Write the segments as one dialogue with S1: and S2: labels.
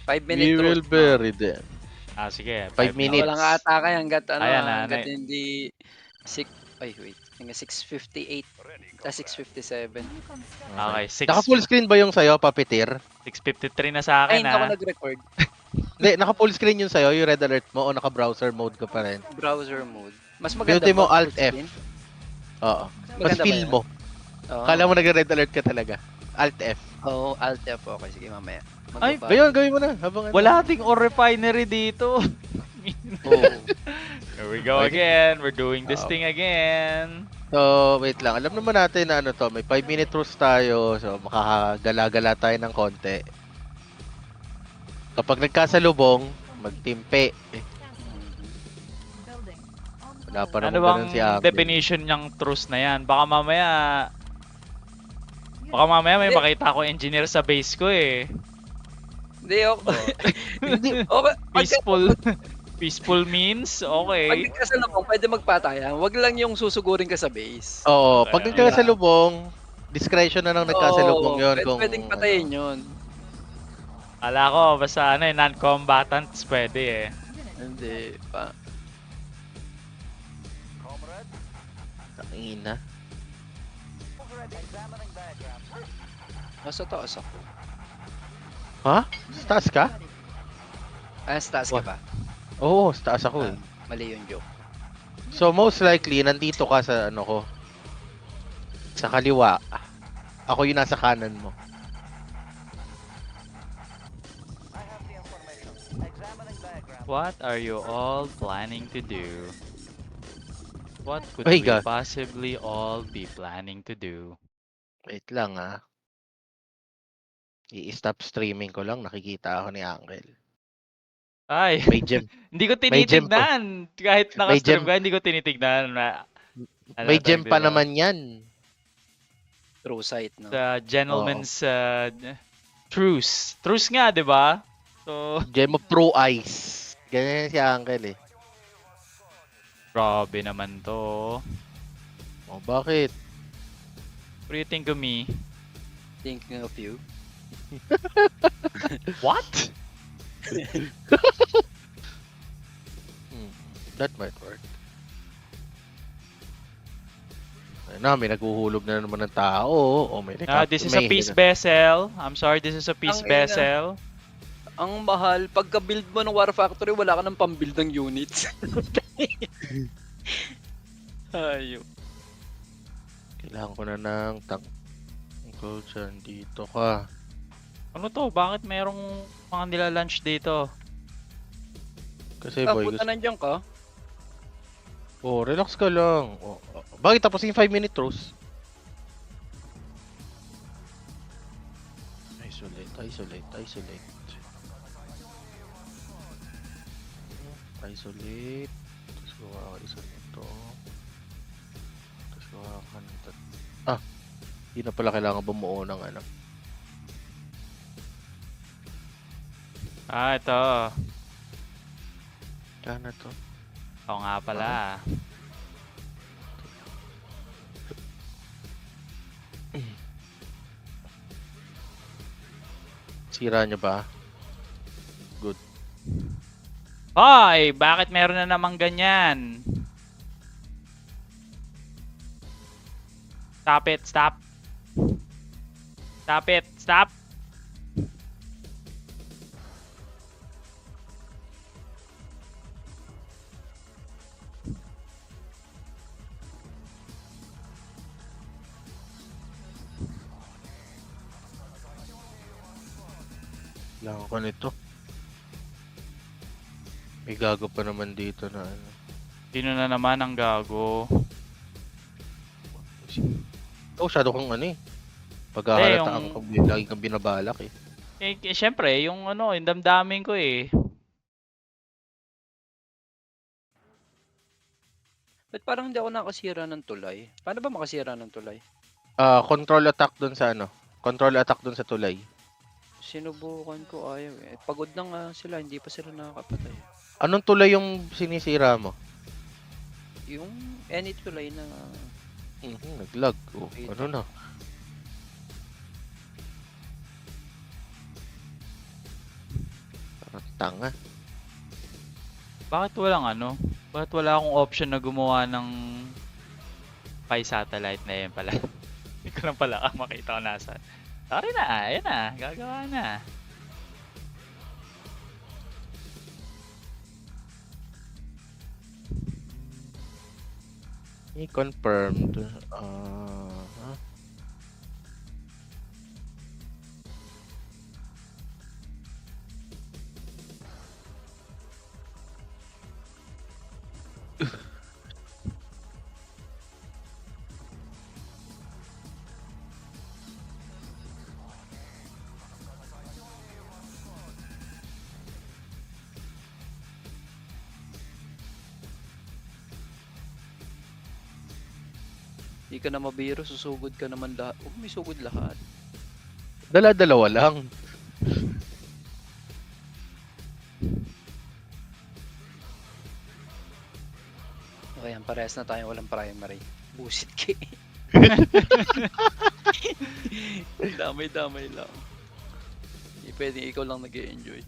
S1: We
S2: 5-minute
S1: will
S2: truce, no?
S1: bury them.
S3: Sige,
S1: 5
S3: 5
S2: Walang
S1: minutes.
S3: minutes.
S2: atake hangga't
S3: Ayan na,
S2: hangga't hindi ay wait, hanggang 6:58 6:57.
S1: Okay.
S3: Okay,
S1: Naka full screen ba yung sa'yo, Papitir?
S3: 6:53 na sa
S2: Ay,
S3: akin
S2: hindi ako
S3: ah.
S2: nag-record.
S1: Hindi, naka full screen yung sa'yo, yung red alert mo, o naka browser mode ka pa rin?
S2: Browser mode. Mas maganda
S1: Pinutin mo
S2: ba
S1: Alt
S2: full
S1: F.
S2: screen?
S1: Oo. Mas
S2: Maganda ba
S1: feel
S2: yun?
S1: mo.
S2: Oo.
S1: Kala mo nag-red alert ka talaga. Alt F.
S2: Oo, Alt F. Okay, sige mamaya.
S3: Ay,
S1: Ngayon, gawin mo na. Habang ano.
S3: wala ding ore refinery dito.
S2: Oo.
S3: Here we go
S1: Okay.
S3: again. We're doing this thing again.
S1: So, wait lang. Alam naman natin na ano to, may 5-minute truce tayo. So, makakagala-gala tayo ng konti. Kapag nagkasalubong, magtimpe. Wala pa
S3: Ano
S1: namang
S3: bang
S1: ganun si Angel.
S3: definition ng truce na yan? Baka mamaya may makita ko engineer sa base ko eh.
S2: Hindi ako.
S1: Hindi.
S2: Okay,
S3: Peaceful means
S2: pag
S3: okay.
S2: nagkasalubong, pwede magpatayan. Wag lang yung susugurin ka sa base.
S1: Oo,
S3: Okay,
S1: pag
S3: okay.
S1: nagkasalubong, discretion na ng nagkasalubong
S2: Oo,
S1: yon kung
S2: pwedeng
S1: ano.
S2: patayin yun.
S3: Ala ko basta ano eh non-combatants pwede eh.
S2: Hindi pa.
S1: Tangina.
S2: Nasa taas ako.
S1: Ha? Sa taas ka?
S2: Ah, sa taas ka ba?
S1: Oo, sa taas ako eh.
S2: Mali yung joke.
S1: So most likely, nandito ka sa ano ko. Sa kaliwa. Ako yung nasa kanan mo.
S3: What are you all planning to do? What could
S1: Ay,
S3: we
S1: God.
S3: possibly all be planning to do?
S1: Wait lang ah. I-stop streaming ko lang, nakikita ako ni Angel.
S3: Ay,
S1: May gem.
S3: hindi ko
S1: May gem pa.
S3: tinitignan. Kahit
S1: May
S3: naka-stream
S1: gem.
S3: ka, hindi ko tinitignan.
S1: May
S3: to,
S1: gem pa
S3: biro.
S1: naman yan.
S2: True sight, no?
S3: The gentleman's truce. Truce nga, di ba? So,
S1: Gem of Pro Eyes. Ganyan si Angel eh.
S3: grabe naman to.
S1: Oh, bakit?
S3: What do you think of me?
S2: Thinking of you.
S3: What?
S1: That might work. Ayun na, may naghuhulog na naman ng tao. O may
S3: This is a peace vessel. I'm sorry, this is a peace
S2: Ang ina.
S3: vessel.
S2: Ang mahal, pagka-build mo ng War Factory, wala ka ng pang-build ng units. Ayun.
S1: Kailangan ko na ng tank. Go dyan, dito ka.
S3: Ano to? Bakit merong mga nila-lunch dito?
S1: Kasi
S2: Ah,
S1: boy,
S2: puta nandiyan ka.
S1: oh, relax ka lang. Oh, bakit tapos yung 5-minute truce? Isolate. Isolate. Tapos gawa ka isa nito. Tapos gawa ka nito. Ah, hindi na pala kailangan bumuo ng ano.
S3: Ah, ito.
S1: Kaya na to.
S3: Oo nga pala.
S1: Sira niya ba?
S3: Hoy! Bakit meron na namang ganyan? Stop it, stop. Stop it, stop.
S1: Kailangan ko nito. May gago pa naman dito na ano.
S3: Sino na naman ang gago?
S1: Oh, shadow kang ano eh. Pagkahalata
S3: yung-
S1: kang lagi kang binabalak eh.
S3: Syempre, yung ano, yung damdamin ko eh.
S2: Ba't parang hindi ako nakasira ng tulay? Paano ba makasira ng tulay?
S1: Control attack dun sa ano. Control attack dun sa tulay.
S2: Sinubukan ko, ayaw eh. Pagod na nga sila, hindi pa sila nakakapatay.
S1: Anong tulay yung sinisira mo?
S2: Yung any tulay na...
S1: Naglag. Oh,
S2: Wait.
S1: ano na? Tanga.
S3: Bakit walang ano? Bakit wala akong option na gumawa ng Pi satellite na yan pala? Hindi ko lang pala makita ko nasa. Sorry na, ayan na, gagawa na.
S1: I-confirmed.
S2: Hindi ka na mabiro, susugod ka naman lahat. Huwag may sugod lahat.
S1: Dala-dalawa lang.
S2: Okay, yan, parehas na tayo walang primary. Busit ka eh. Damay-damay lang. Hindi pwedeng ikaw lang nag-e-enjoy.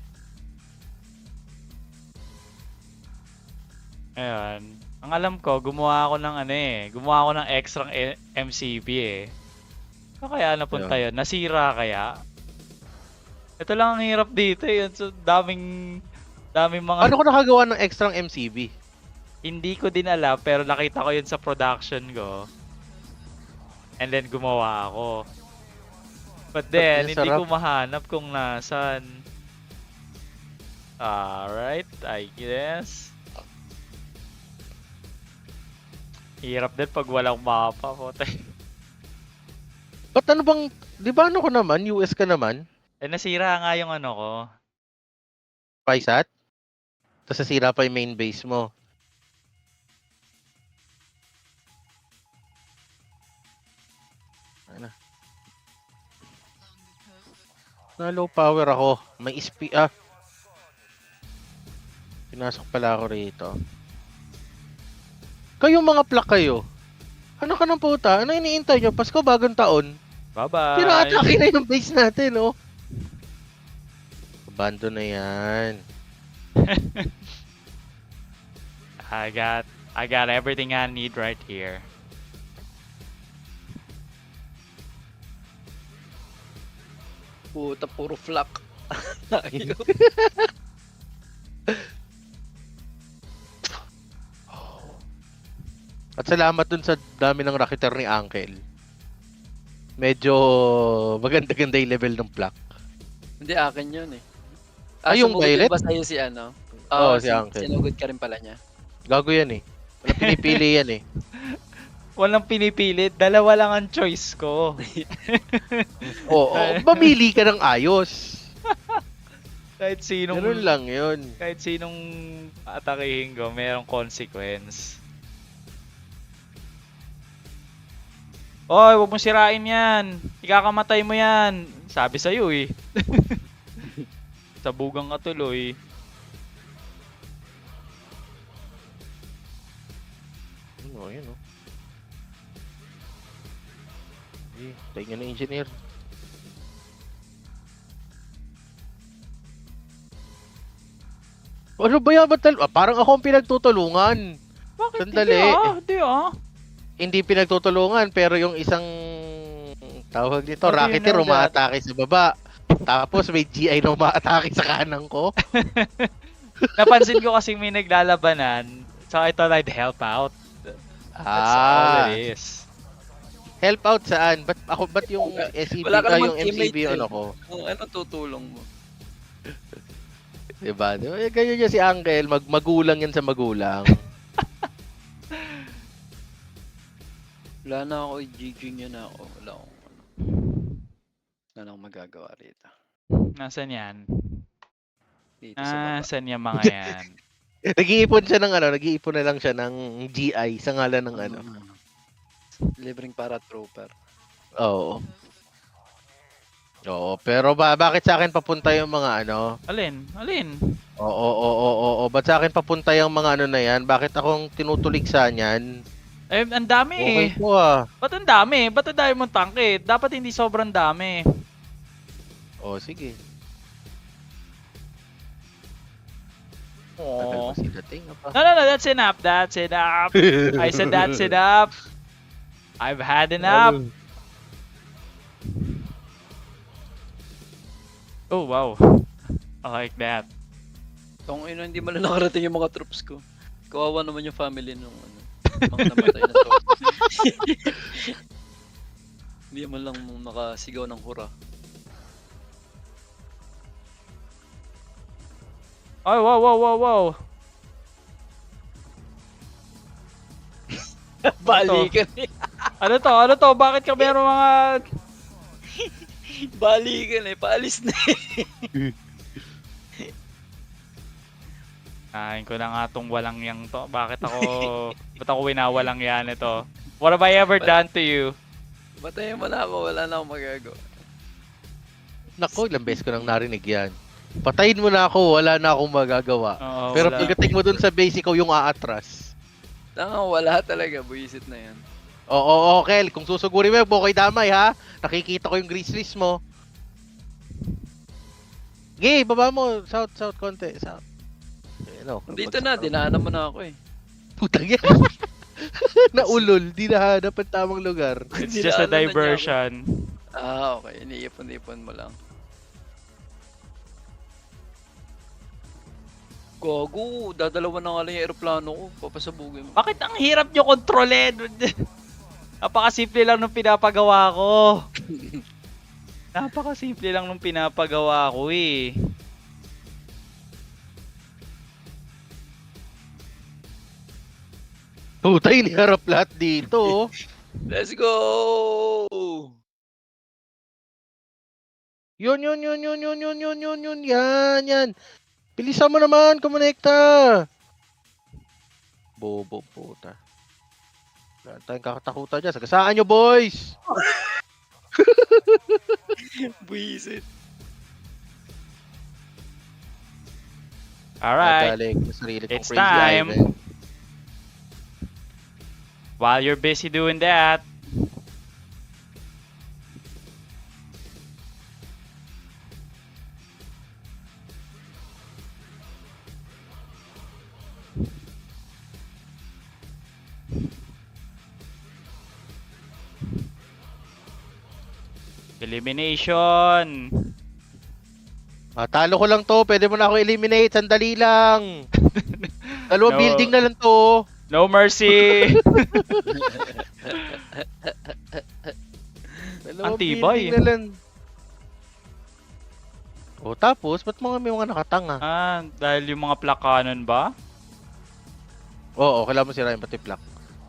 S3: Ayan. Ang alam ko, gumawa ako ng gumawa ako ng extra MCB eh. Saan kaya napunta yun? Nasira kaya? Ito lang ang hirap dito eh. So, daming mga...
S1: Ano ko nakagawa ng extra MCB?
S3: Hindi ko din alam, pero nakita ko yun sa production ko. And then gumawa ako. But then, hindi ko mahanap kung nasan. Alright, I guess. Hirap din pag walang mapa po.
S1: Ba't ano bang, di ba ano ko naman, US ka naman?
S3: Eh, nasira nga yung ano ko.
S1: PySat? Tapos nasira pa yung main base mo. Ano? Na low power ako. May Pinasok pala ako rito. Kayong mga plak kayo. Ano ka ng puta? Ano iniintay nyo? Pasko, bagong taon.
S3: Bye-bye!
S1: Tira-atake na yung base natin, oh. Abandon na yan.
S3: I got everything I need right here.
S2: Puta, puro flak. Ayaw.
S1: At salamat dun sa dami ng Rocketeer ni Uncle. Medyo maganda-ganda yung level ng plak.
S2: Hindi, akin yun eh.
S1: Yung
S2: sumugod
S1: Violet?
S2: din ba sa'yo si ano?
S1: Oo, si Uncle.
S2: Sinugod ka rin pala niya.
S1: Gago yan eh. Wala pinipili yan eh.
S3: Walang pinipilit. Dalawa lang ang choice ko.
S1: Oo, mamili ka ng ayos.
S3: Kahit sinong...
S1: Ganun lang yun.
S3: Kahit sinong atakihin ko, mayroong consequence. Oy, wag mo sirain yan. Ikakamatay mo yan. Sabi sa'yo eh. Sabugang ka tuloy.
S1: Yun o. Tayo nga ng engineer. Ano ba yan? Parang ako ang pinagtutulungan.
S3: Bakit?
S1: Sandali.
S3: Hindi ah.
S1: Hindi pinagtutulungan pero yung isang tawag dito,
S3: How do you
S1: Rocketeer
S3: know that?
S1: umaatake sa baba. Tapos may GI na umaatake sa kanan ko.
S3: Napansin ko kasing may naglalabanan. So I thought I'd help out. That's all it is.
S1: Help out saan? Ba't yung SCP
S2: Wala ka namang
S1: yung MCB
S2: teammate
S1: ano
S2: eh.
S1: ko?
S2: Ano tutulong mo?
S1: Diba? Ganyan niya si Uncle, magulang yan sa magulang.
S2: Wala na ako, GG niya na ako. Wala akong ano. Wala na akong magagawa rito.
S3: Nasaan yan?
S2: Dito sa baba.
S3: Nasaan yung mga yan?
S1: Nag-iipon siya ng nag-iipon na lang siya ng GI sa ngalan ng ano.
S2: Libreng paratrooper.
S1: Oo. Oo, pero bakit sa akin papunta yung mga ano?
S3: Alin?
S1: Oo. Ba't sa akin papunta yung mga ano na yan? Bakit akong tinutuligsa niyan?
S3: Eh, ang dami
S1: Okay
S3: eh.
S1: po ah.
S3: Ba't ang dami? Ba't ang dami mong tangke? Dapat hindi sobrang dami.
S1: Oh, sige. Tagal
S3: Oh.
S1: mo sila tinga pa.
S3: No, that's enough. That's enough. I said that's enough. I've had enough. Oh, wow. I like that.
S2: Tong ina, hindi man lang nakarating yung mga troops ko. Kawawa naman yung family nung ano, mga namatay na to. Hindi man lang nakasigaw ng hura.
S3: Ay, wow.
S2: Balikan eh.
S3: Ano to? Bakit ka meron mga...
S2: Balikan eh. Paalis na eh.
S3: Kain ko na nga tong walang yang to. Ba't ako winawalang yan ito? What have I ever done to you?
S2: Batayin mo na ako. Wala na akong magagawa.
S1: Nako, ilang beses ko nang narinig yan. Patayin mo na ako, wala na akong magagawa.
S3: Oo,
S1: Pero
S3: wala.
S1: pagdating mo dun sa base, ikaw yung aatras.
S2: Tanga, wala talaga. Buisit na yan.
S1: Oo, Kel, kung susugurin mo, bukay damay ha. Nakikita ko yung grizzlies mo. Gay, baba mo. South, konti. South. Ano,
S2: Dito na. Dinaanan mo na ako eh.
S1: Putang yan. Naulol, di nahanap ang tamang lugar.
S3: It's just a
S2: Dinaanan na niya ako.
S3: diversion.
S2: Ah, okay. Iniipon-ipon mo lang. Gago, dadalawa na nga lang yung aeroplano ko. Papasabugin mo.
S3: Bakit ang hirap nyo kontrolin? Napakasimple lang nung pinapagawa ko. Napakasimple lang nung pinapagawa ko eh.
S1: Putay, niharap lahat dito.
S2: Let's go!
S1: Yun. Yan. Bilisan mo naman, kumonekta. Bobo, puta. Wala tayong kakatakutan dyan. Sagasaan nyo, boys!
S2: Buisit.
S3: Alright.
S1: Nagaling sa sarili kong
S3: It's
S1: crazy
S3: time.
S1: Ivan.
S3: While you're busy doing that, elimination.
S1: Talo ko lang to. Pwede mo na ako eliminate. Sandali lang. Dalawang
S3: No.
S1: building na lang to.
S3: No mercy.
S1: Dalawang
S3: Antibay.
S1: building na lang. O tapos, ba't mga may mga nakatanga?
S3: Dahil yung mga plakanon ba?
S1: Oo, kailangan mo sirain pati plak.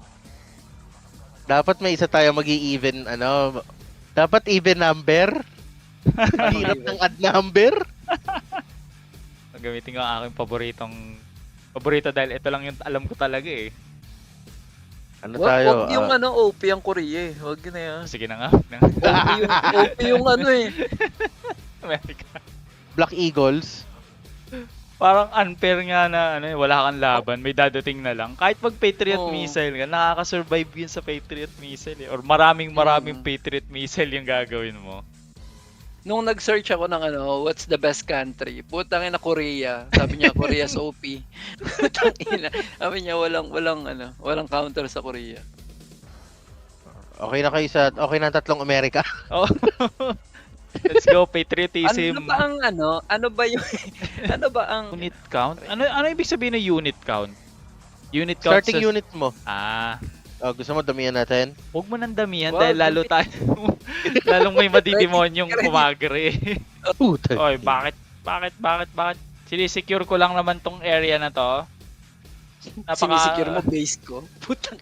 S1: Dapat may isa tayo mag-i-even, dapat even number. Mahirap ng odd number.
S3: Gamitin ko ang aking paborito dahil ito lang yung alam ko talaga eh.
S1: Ano
S2: Wag
S1: tayo?
S2: yung OP ang Korea eh. Wag na yan.
S3: Sige na nga.
S2: OP yung ano eh.
S3: America.
S1: Black Eagles.
S3: Parang unfair nga na wala kang laban, may dadating na lang. Kahit mag Patriot
S2: Oo.
S3: missile ka, nakaka-survive yun sa Patriot missile eh. Or maraming Patriot missile yung gagawin mo.
S2: Nung nag-search ako ng what's the best country? Putang ina, Korea. Sabi niya Korea's OP. Putang ina. Sabi niya walang counter sa Korea.
S1: Okay na kayo okay na ang tatlong Amerika.
S3: Oh. Let's go patriotism.
S2: Ano ba ang ano ba yung
S3: Unit count? Ano ibig sabihin ng unit count? Unit count
S1: Starting unit mo. Gusto mo damihan natin?
S3: Huwag mo nang damihan
S2: Wow,
S3: dahil lalong may madidemonyong kumagre.
S1: Puta.
S3: Oy, bakit? Sinisecure ko lang naman tong area na to.
S2: sinisecure mo base ko? Putang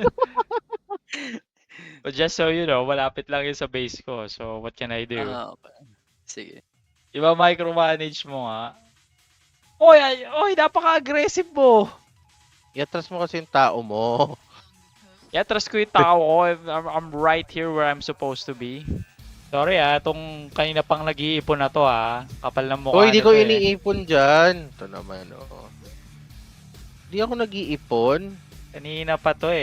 S3: But just so you know, malapit lang yun sa base ko. So, what can I do?
S2: okay. Sige.
S3: Iba micromanage mo nga. Oy, napaka-aggressive mo.
S1: Iatras mo kasi yung tao mo.
S3: Yeah, trust ko yung tao ko. I'm right here where I'm supposed to be. Sorry itong kanina pang nag-iipon na to Kapal ng mukha
S1: Hindi ko
S3: nito,
S1: iniipon dyan. Ito naman, Hindi ako nag-iipon.
S3: Kanina pa to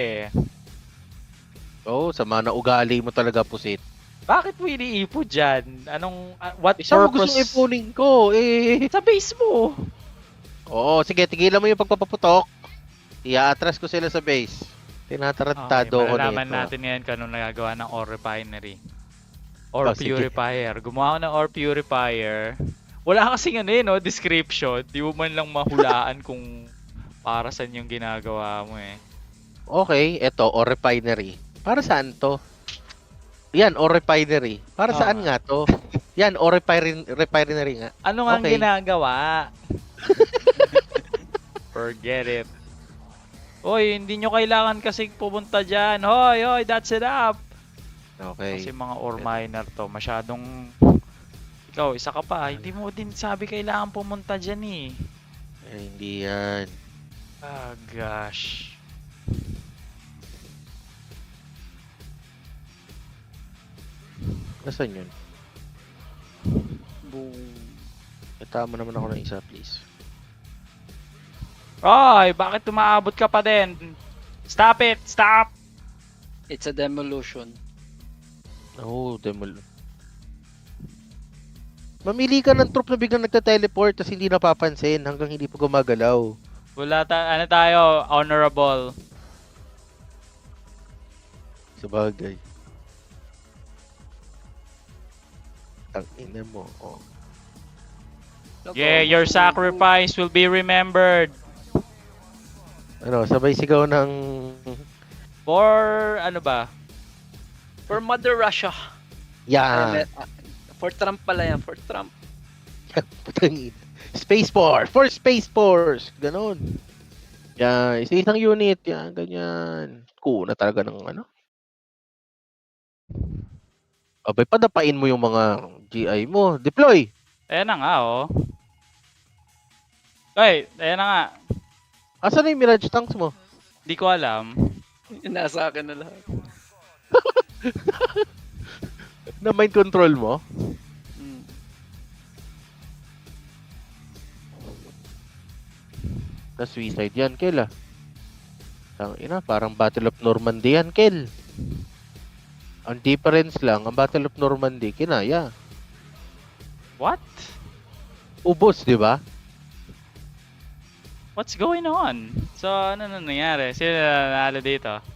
S1: Sama na ugali mo talaga, pusit.
S3: Bakit mo iniipon dyan? What
S1: Isa mo
S3: purpose?
S1: gustong ipunin ko,
S3: Sa base mo.
S1: Oo, sige, tigilan mo yung pagpapaputok. Ia-atras ko sila sa base.
S3: Okay,
S1: Tinatarantado ko
S3: malalaman
S1: nito.
S3: natin ngayon kung anong nagagawa ng ore refinery. Ore
S1: Oh, sige.
S3: purifier. Gumawa ako ng ore purifier. Wala kasing ano no, description. Di mo man lang mahulaan kung para saan yung ginagawa mo eh.
S1: Okay, eto, o refinery. Para saan to? Yan, o refinery. Para
S3: Oo
S1: saan
S3: nga.
S1: nga to? Yan, o refinery nga.
S3: Ano nga ang
S1: Okay.
S3: ginagawa? Forget it. Hoy, hindi nyo kailangan kasing pumunta dyan. Hoy, hoy, that's it up.
S1: Okay.
S3: Kasi mga ore miner to, masyadong... Ikaw, isa ka pa. Hindi mo din sabi kailangan pumunta dyan eh.
S1: Eh, hindi yan.
S3: Ah, gosh.
S1: Nasaan yun?
S2: Boom.
S1: Itama naman ako ng isa, please.
S3: Hoy, bakit tumaabot ka pa din? Stop it! Stop!
S2: It's a demolition.
S1: Oh, demol. Mamili ka ng troop na biglang nagta-teleport tapos hindi napapansin hanggang hindi pa gumagalaw.
S3: Ano tayo? Honorable.
S1: Sa bagay. Tangina mo. Oh.
S3: Yeah, your sacrifice will be remembered.
S1: Ano, sabay sigaw ng...
S3: For, ano ba?
S2: For Mother Russia.
S1: Yan.
S2: For Trump pala yan. For Trump.
S1: Putangin. Space Force! For Space Force! Ganon. Yan. Isa-isang unit. Yan, ganyan. Kuna talaga ng ano. Abay, padapain mo yung mga GI mo. Deploy!
S3: Ayan na nga, oh. Ay, ayan na nga.
S1: Asan na yung Mirage tanks mo?
S3: Di ko alam.
S2: Nasa akin na lahat.
S1: Na mind control mo?
S2: Mm.
S1: Na suicide yan, Kel ah. Tangina, parang Battle of Normandy yan, Kel. Ang difference lang, ang Battle of Normandy, kinaya.
S3: What?
S1: Ubos, di ba?
S3: What's going on? So, ano na nangyari? Sino na nanalo dito?